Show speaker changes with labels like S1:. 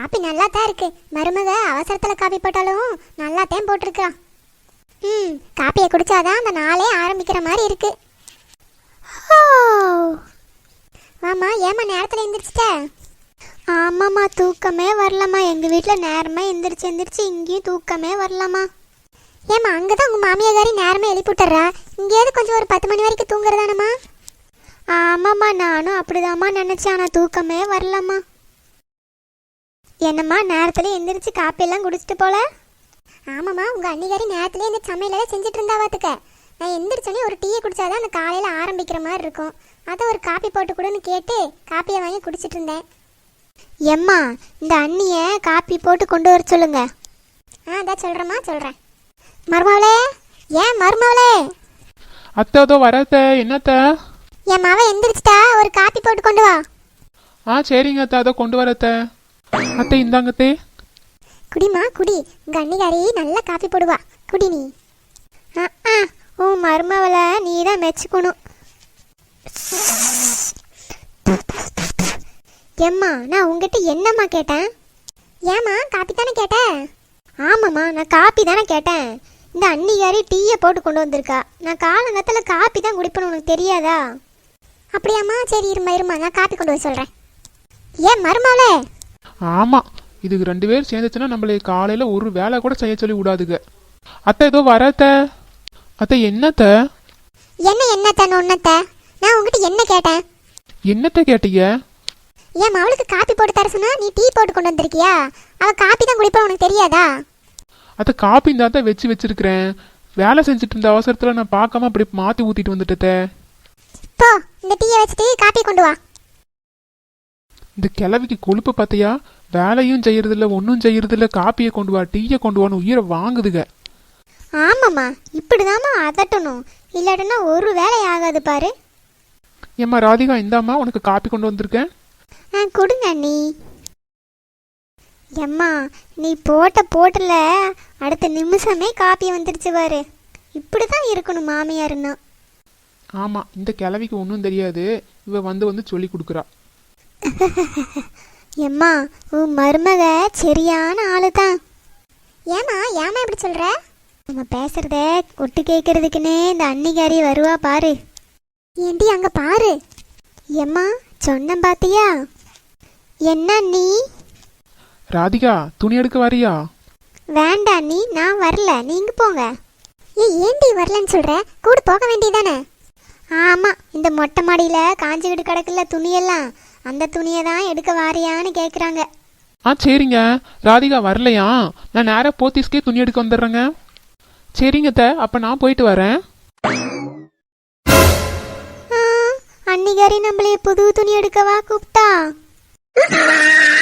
S1: Copy நல்லா தான் இருக்கு. மருமக அவசரத்துல காப்பி போட்டாலும் நல்லா தான் போட்டிருக்கா. காப்பியை குடிச்சாதான் அந்த நாளே ஆரம்பிக்கிற மாதிரி இருக்கு. ஆமா, ஏமா நேரத்துல எந்திரிச்சிட்ட? ஆமாம்மா, தூக்கமே வரலம்மா. எங்க வீட்டுல நேரமா எந்திரிச்சு இங்கேயும் தூக்கமே வரலம்மா. ஏமா, அங்கதான் உங்க மாமியாரி நேரமே எழுப்பிட்டுறா. இங்கேயாவது கொஞ்சம் ஒரு 10 மணி வரைக்கும் தூங்குறதானம்மா? ஆமாம்மா, நானும் அப்படிதாம்மா நினைச்சேன். ஆனா தூக்கமே வரலம்மா. என்னம்மா நேரத்துல எந்திரிச்சு காப்பியெல்லாம் குடிச்சிட்டு போல? ஆமாம்மா, உங்க அன்னிகாரி நேரத்துலேயே இந்த சமையலெல்லாம் செஞ்சுட்டு இருந்தா பார்த்துக்க. நான் எந்திரிச்சோன்னே ஒரு டீயை குடிச்சாதான் அந்த காலையில் ஆரம்பிக்கிற மாதிரி இருக்கும். அதை ஒரு காப்பி போட்டு கொடுன்னு கேட்டு காப்பியை வாங்கி குடிச்சிட்டு இருந்தேன். எம்மா, இந்த அண்ணியை காப்பி போட்டு கொண்டு வர சொல்லுங்க. அதான் சொல்கிறேம்மா, சொல்கிறேன். மருமவளே, ஏன் மருமவளே?
S2: அத்தை வரத்த. என்னத்த?
S1: என் மாவ எந்திரிச்சிட்டா, ஒரு காப்பி போட்டு கொண்டு வா.
S2: சரிங்க அத்தை, அதை கொண்டு வரத்த. அத்தை இந்தாங்கத்தே.
S1: குடிமா குடி, உங்க அன்னிகாரி நல்லா காப்பி போடுவா, குடி நீ. உன் மருமவளை நீ தான் மெச்சுக்கணும். எம்மா, நான் உங்ககிட்ட என்னம்மா கேட்டேன்? ஏம்மா, காப்பி தானே கேட்டேன்? ஆமாம்மா, நான் காப்பி தானே கேட்டேன். இந்த அன்னிகாரி டீயை போட்டு கொண்டு வந்திருக்கா. நான் காலங்கத்தில் காப்பி தான் குடிப்பேன்னு உனக்கு தெரியாதா? அப்படியாம்மா, சரி இருமா, நான் காப்பி கொண்டு வர சொல்கிறேன். ஏன் மருமவளே?
S2: ஆமாம், இதுக்கு 2 பேர் சேர்ந்துச்சுன்னா நம்மளை காலையில் ஒரு வேலை கூட செய்ய சொல்லி விடாதுங்க. அத்தை ஏதோ வரத்த. அத்தை என்னத்த?
S1: என்னத்த ஒன்னத்த? நான் உங்ககிட்ட என்ன கேட்டேன்?
S2: என்னத்த கேட்டீங்க?
S1: ஏன் அவளுக்கு காப்பி போட்டு தர சொன்னா நீ டீ போட்டு கொண்டு வந்திருக்கியா? அவ காப்பி தான் குடிப்பா, உனக்கு தெரியாதா?
S2: அத்தை காப்பி தான் வச்சிருக்கிறேன். வேலை செஞ்சுட்டு இருந்த அவசரத்தில் நான் பார்க்காம அப்படி மாற்றி ஊற்றிட்டு வந்துட்டே.
S1: போ, இந்த டீயை வச்சுட்டு காப்பி கொண்டு வா.
S2: இந்த கிழவிக்கு கொழுப்பு பார்த்தியா? வேலையும் செய்யறதில்ல, ஒன்றும் செய்யறதில்ல. காப்பியை கொண்டு வா, டீயை கொண்டு வான்னு உயிரை வாங்குதுங்க.
S1: ஆமாம்மா, இப்படிதாம்மா அதட்டணும், இல்லாட்டனா ஒரு வேலை ஆகாது பாரு.
S2: ஏம்மா ராதிகா, இந்தாம்மா உனக்கு காப்பி கொண்டு வந்திருக்கேன்.
S1: கொடுங்க நீ. எம்மா, நீ போட்டல அடுத்த நிமிஷமே காப்பி வந்துடுச்சு பாரு. இப்படிதான் இருக்கணும் மாமியாருன்னா.
S2: ஆமாம், இந்த கிழவிக்கு ஒன்றும் தெரியாது. இவ வந்து சொல்லி கொடுக்குறா.
S1: எம்மா, உன் மருமக சரியான ஆளு தான். ஏமா இப்படி சொல்ற? நம்ம பேசுறத ஒட்டு கேட்கறதுக்குன்னே இந்த அன்னிகாரி வருவா பாரு. ஏண்டி அங்க பாரு. எம்மா, சொன்ன பாத்தியா? என்ன நீ?
S2: ராதிகா, துணி எடுக்க வரியா?
S1: வேண்டாம் நீ, நான் வரல, நீங்க போங்க. ஏண்டி வரலன்னு சொல்ற? கூட போக வேண்டியதானே? ஆமா, இந்த மொட்டை மாடியில காஞ்சிக்கிட்டு கிடக்குல துணியெல்லாம், அந்த துணியை தான் எடுக்க வாரியான்னு கேட்குறாங்க.
S2: சரிங்க. ராதிகா வரலையா? நான் நேராக போத்தீஸ்கே துணி எடுக்க வந்துடுறேங்க. சரிங்க த, அப்போ நான் போயிட்டு வரேன்.
S1: அன்னிகாரி நம்மளே புது துணி எடுக்கவா கூப்பிட்டா?